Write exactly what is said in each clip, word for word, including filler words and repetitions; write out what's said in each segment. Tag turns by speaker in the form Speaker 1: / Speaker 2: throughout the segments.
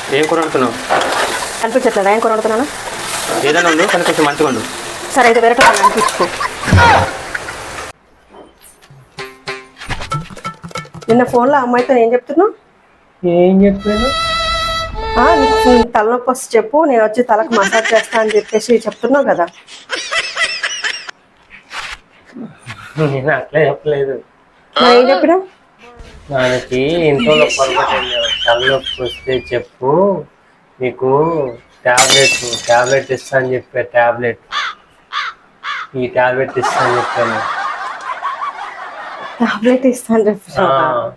Speaker 1: ఏం కూర వండుతున్నావు?
Speaker 2: అనిపించట్లేదా ఏం కూర వండుతున్నాను?
Speaker 1: ఏదైనా ఉండు కానీ కొంచెం మంచిగా ఉండు.
Speaker 2: సరే అయితే వేరే అనిపించుకో. నిన్న ఫోన్లో అమ్మాయితో ఏం చెప్తున్నావు?
Speaker 1: ఏం చెప్పాను?
Speaker 2: నీకు తలనొప్పి వస్తే చెప్పు, నేను వచ్చి తలకు మసాజ్ చేస్తా అని చెప్పేసి చెప్తున్నావు కదా.
Speaker 1: నేను అట్లా చెప్పలేదు.
Speaker 2: ఏం చెప్పినా?
Speaker 1: దానికి ఇంట్లో తలనొప్పి వస్తే చెప్పు, నీకు టాబ్లెట్ టాబ్లెట్ ఇస్తా అని చెప్పా. టాబ్లెట్ ఈ టాబ్లెట్ ఇస్తా అని చెప్పాను.
Speaker 2: టాబ్లెట్ ఇస్తా అని చెప్పా.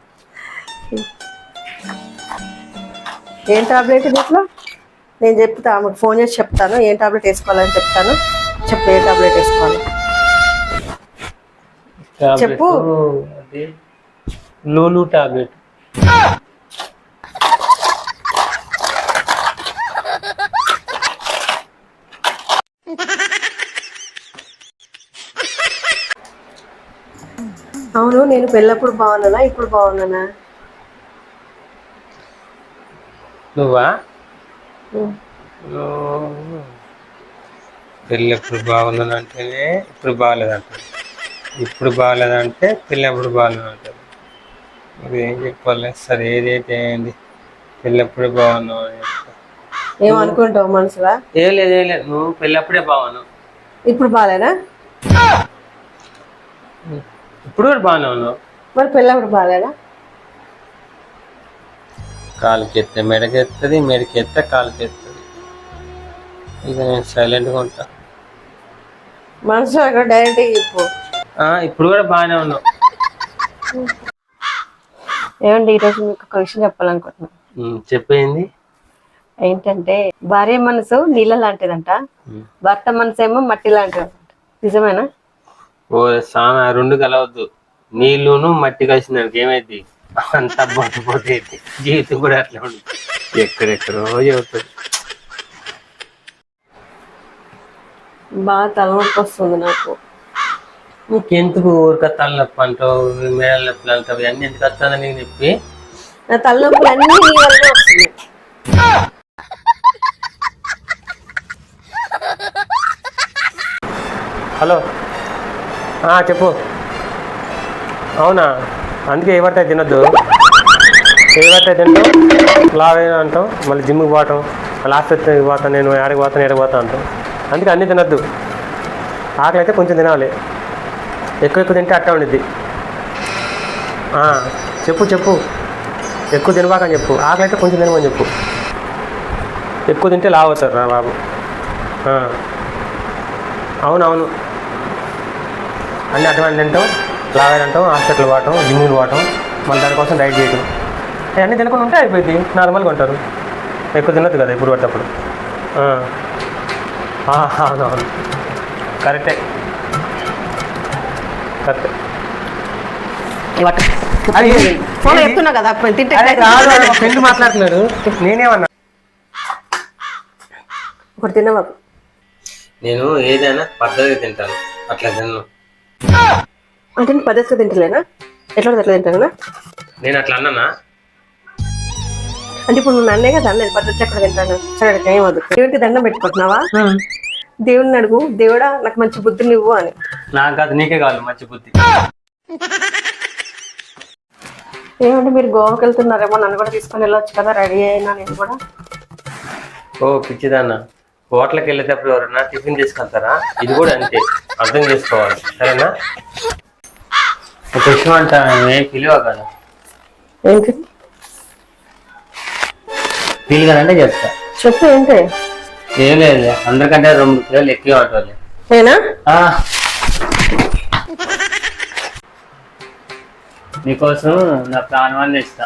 Speaker 2: ఏం టాబ్లెట్ దీంట్లో? నేను చెప్తా, ఆమెకు ఫోన్ చేసి చెప్తాను ఏం టాబ్లెట్ వేసుకోవాలని చెప్తాను. చెప్పు ఏ టాబ్లెట్ వేసుకోవాలి చెప్పు.
Speaker 1: లూలు టాబ్లెట్.
Speaker 2: అవును, నేను పెళ్ళప్పుడు బాగున్నానా ఇప్పుడు బాగున్నానా?
Speaker 1: నువ్వా? పెళ్ళప్పుడు బాగున్నానంటేనే ఇప్పుడు బాగాలేదంట, ఇప్పుడు బాగాలేదంటే పెళ్ళప్పుడు బాగాలేదంటారు. మరి ఏం చెప్పాలి? సరే ఏదైతే ఏంది, పెళ్ళప్పుడే బాగున్నావు అని చెప్తా.
Speaker 2: ఏమనుకుంటావు మనసులా?
Speaker 1: ఏం లేదు ఏం లేదు, నువ్వు పెళ్ళప్పుడే బాగున్నావు.
Speaker 2: ఇప్పుడు బాగాలేనా?
Speaker 1: ఇప్పుడు కూడా బాగానే ఉన్నావు.
Speaker 2: మరి పెళ్ళప్పుడు బాగాలేనా?
Speaker 1: కాలుకి ఎత్తే మెడకి ఎత్తుంది, మెడకి ఎత్తే కాలుకి ఎత్తుంది. ఇక నేను సైలెంట్గా ఉంటా.
Speaker 2: మనసు అక్కడ డైరెక్ట్ చెప్పు.
Speaker 1: ఇప్పుడు కూడా బాగానే ఉన్నావు.
Speaker 2: ఏమండి ఈరోజు మీకు ఒక విషయం చెప్పాలనుకుంటున్నాను.
Speaker 1: చెప్పేయండి.
Speaker 2: ఏంటంటే భార్య మనసు నీళ్ళ లాంటిదంట, భర్త మనసు ఏమో మట్టి లాంటిదంట. నిజమేనా?
Speaker 1: ఓ సామె రెండు కలవద్దు. నీళ్ళును మట్టి కలిసినానికి ఏమైంది? అంతా బొట్టుపోతే జీవితం కూడా అట్లా ఉంటుంది. ఎక్కడెక్కడో చెబుతుంది.
Speaker 2: బాగా తలనొప్పి వస్తుంది నాకు.
Speaker 1: నీకెందుకు ఊరిక తలనొప్పి అంటావు, మేడల నొప్పులు అంటావు, ఇవన్నీ ఎందుకు వస్తుందని నీకు చెప్పి?
Speaker 2: నా తలనొప్పులు అన్నీ నీ వల్లనే వస్తున్నాయి.
Speaker 1: హలో, చెప్పు. అవునా? అందుకే ఏ పడితే తినొద్దు. ఏ పడితే తింటావు, లావైనా అంటావు, మళ్ళీ జిమ్కి పోవటం, మళ్ళీ ఆసుపత్రికి పోతాను, నేను ఆడికి పోతాను ఏడికి పోతాను అంటావు. అందుకే అన్నీ తినొద్దు. ఆకలి అయితే కొంచెం తినాలి, ఎక్కువ ఎక్కువ తింటే అట్ట ఉండిద్ది. చెప్పు చెప్పు ఎక్కువ తినబాకని చెప్పు. ఆకలి అయితే కొంచెం తినమని చెప్పు. ఎక్కువ తింటే లావు అవుతారు రా బాబు. అవునవును, అన్నీ అటువంటి తింటాం, లావైన అంటాం, హాస్పిటల్ పోవటం, జిమ్కి పోవటం, మళ్ళీ దానికోసం డైట్ చేయటం, అవన్నీ తినకుండా ఉంటే అయిపోయింది. నార్మల్గా ఉంటారు. ఎక్కువ తినొద్దు కదా ఇప్పుడు పట్టప్పుడు. అవునవును, కరెక్టే కరెక్టే.
Speaker 2: చెప్తున్నా కదా
Speaker 1: ఫ్రెండ్ మాట్లాడుతున్నాడు, నేనేమన్నా.
Speaker 2: ఒకటి తినవా?
Speaker 1: నేను ఏదైనా పద్ధతిగా తింటాను, అట్లా తిన్నాను.
Speaker 2: అంటే నేను పద్ధతిగా తింటలేనా? ఎట్లా ఎట్లా తింటానా?
Speaker 1: నేను అట్లా అన్నానా?
Speaker 2: అంటే ఇప్పుడు నువ్వు నన్నే కదా నేను పద్ధతి ఎక్కడ తింటాను. సరే ఏమదు, దేవుడికి దండం పెట్టుకుంటున్నావా? దేవుడిని అడుగు, దేవుడా నాకు మంచి బుద్ధిని ఇవ్వు అని.
Speaker 1: నాకు కాదు, నీకే కాదు మంచి బుద్ధి.
Speaker 2: ఏమంటే మీరు గోవాకి వెళ్తున్నారేమో, నన్ను కూడా తీసుకొని వెళ్ళొచ్చు కదా, రెడీ అయినా నేను కూడా.
Speaker 1: ఓ పిచ్చిదాన్న, హోటల్కి వెళ్ళేటప్పుడు ఎవరన్నా టిఫిన్ తీసుకెళ్తారా? ఇది కూడా అంతే, అర్థం చేసుకోవాలి సరేనా? ఒక విషయం అంట, ఏ పిలువ కదా.
Speaker 2: ఏంటి
Speaker 1: ఫీల్ కదంటే చెప్తా.
Speaker 2: చెప్పు ఏంటి?
Speaker 1: ఏం లేదు, అందరికంటే రెండు కిలోలు ఎక్కువ ఉంటుంది.
Speaker 2: నేనా?
Speaker 1: నీకోసం నా ప్రాణాన్ని ఇస్తా.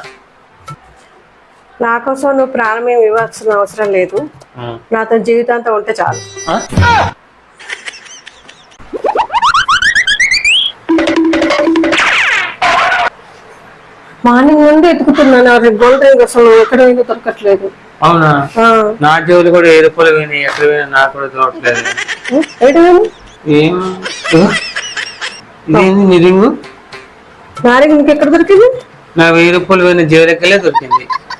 Speaker 2: నా కోసం నువ్వు ప్రాణం ఏమి ఇవ్వాల్సిన అవసరం లేదు, నాతో జీవితాంతం ఉంటే చాలు. మార్నింగ్ నుండి ఎత్తుకుతున్నాను, రేపు గోల్డ్ రింగ్ అసలు ఎక్కడ పోయిందో దొరకట్లేదు.
Speaker 1: అవునా? నా జోలు కూడా ఏ రూపాయలు పోయినాయి, ఎక్కడ పోయినా నాకు కూడా దొరకట్లేదు. ఏం నీ రింగు?
Speaker 2: నా రింగ్ ఇంకెక్కడ దొరికింది?
Speaker 1: నా వెయ్యి రూపాయలు పోయిన జీవరెక్కలే దొరికింది.